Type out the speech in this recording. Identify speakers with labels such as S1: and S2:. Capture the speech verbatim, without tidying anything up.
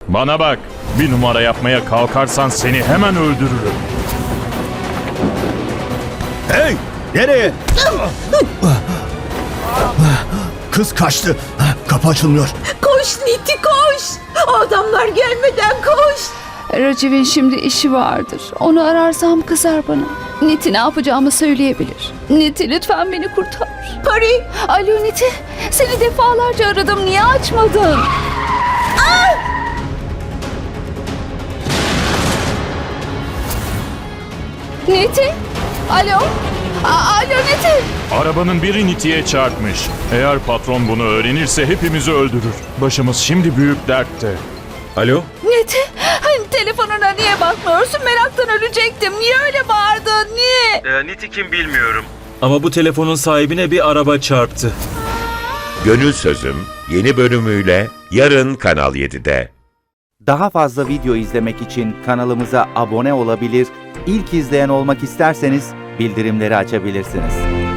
S1: Bana bak, bir numara yapmaya kalkarsan seni hemen öldürürüm.
S2: Hey! Nereye? Kız kaçtı. Kapı açılmıyor.
S3: Koş Niti koş. O adamlar gelmeden koş.
S4: Raciv'in şimdi işi vardır. Onu ararsam kızar bana. Niti ne yapacağımı söyleyebilir. Niti lütfen beni kurtar.
S3: Pari.
S4: Alo Niti, seni defalarca aradım. Niye açmadın? Niti? Alo? A- Alo Niti?
S1: Arabanın biri Niti'ye çarpmış. Eğer patron bunu öğrenirse hepimizi öldürür. Başımız şimdi büyük dertte.
S5: Alo?
S4: Niti? Hani telefonuna niye bakmıyorsun? Meraktan ölecektim. Niye öyle bağırdın? Niye?
S5: Ee, Niti kim bilmiyorum. Ama bu telefonun sahibine bir araba çarptı.
S6: Gönül Sözüm yeni bölümüyle yarın Kanal yedide.
S7: Daha fazla video izlemek için kanalımıza abone olabilir, ilk izleyen olmak isterseniz bildirimleri açabilirsiniz.